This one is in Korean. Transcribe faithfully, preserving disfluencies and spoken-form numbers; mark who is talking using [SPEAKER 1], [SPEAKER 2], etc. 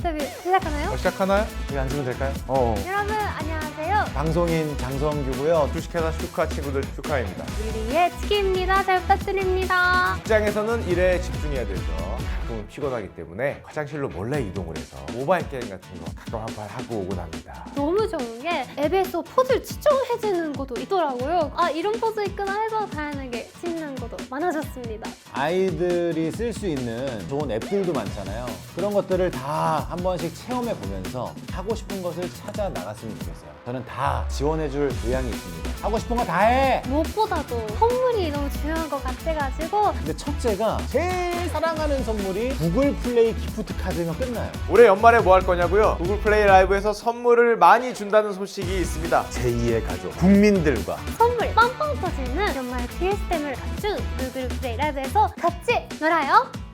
[SPEAKER 1] 인터뷰 시작하나요?
[SPEAKER 2] 어, 시작하나요? 여기 앉으면 될까요? 어.
[SPEAKER 1] 여러분 안녕하세요.
[SPEAKER 2] 방송인 장성규고요. 주식회사 슈카 친구들 슈카입니다.
[SPEAKER 1] 유리의 치키입니다. 잘 부탁드립니다.
[SPEAKER 2] 직장에서는 일에 집중해야 되죠. 가끔은 피곤하기 때문에 화장실로 몰래 이동을 해서 모바일 게임 같은 거 가끔 한 판 하고 오곤 합니다.
[SPEAKER 1] 너무 좋은 게 앱에서 포즈를 추천해주는 것도 있더라고요. 아 이런 포즈 있구나 해서 다양하게 찍는 것도 많아졌습니다.
[SPEAKER 3] 아이들이 쓸 수 있는 좋은 앱들도 많잖아요. 그런 것들을 다 한 번씩 체험해 보면서 하고 싶은 것을 찾아 나갔으면 좋겠어요. 저는 다 지원해 줄 의향이 있습니다. 하고 싶은 거 다 해!
[SPEAKER 1] 무엇보다도 선물이 너무 중요한 것 같아가지고
[SPEAKER 3] 근데 첫째가 제일 사랑하는 선물이 구글 플레이 기프트 카드면 끝나요.
[SPEAKER 2] 올해 연말에 뭐 할 거냐고요? 구글 플레이 라이브에서 선물을 많이 준다는 소식이 있습니다.
[SPEAKER 3] 제이의 가족, 국민들과
[SPEAKER 1] 선물 빵빵 터지는 연말 피에스템을 갖춘 구글 플레이 라이브에서 같이 놀아요.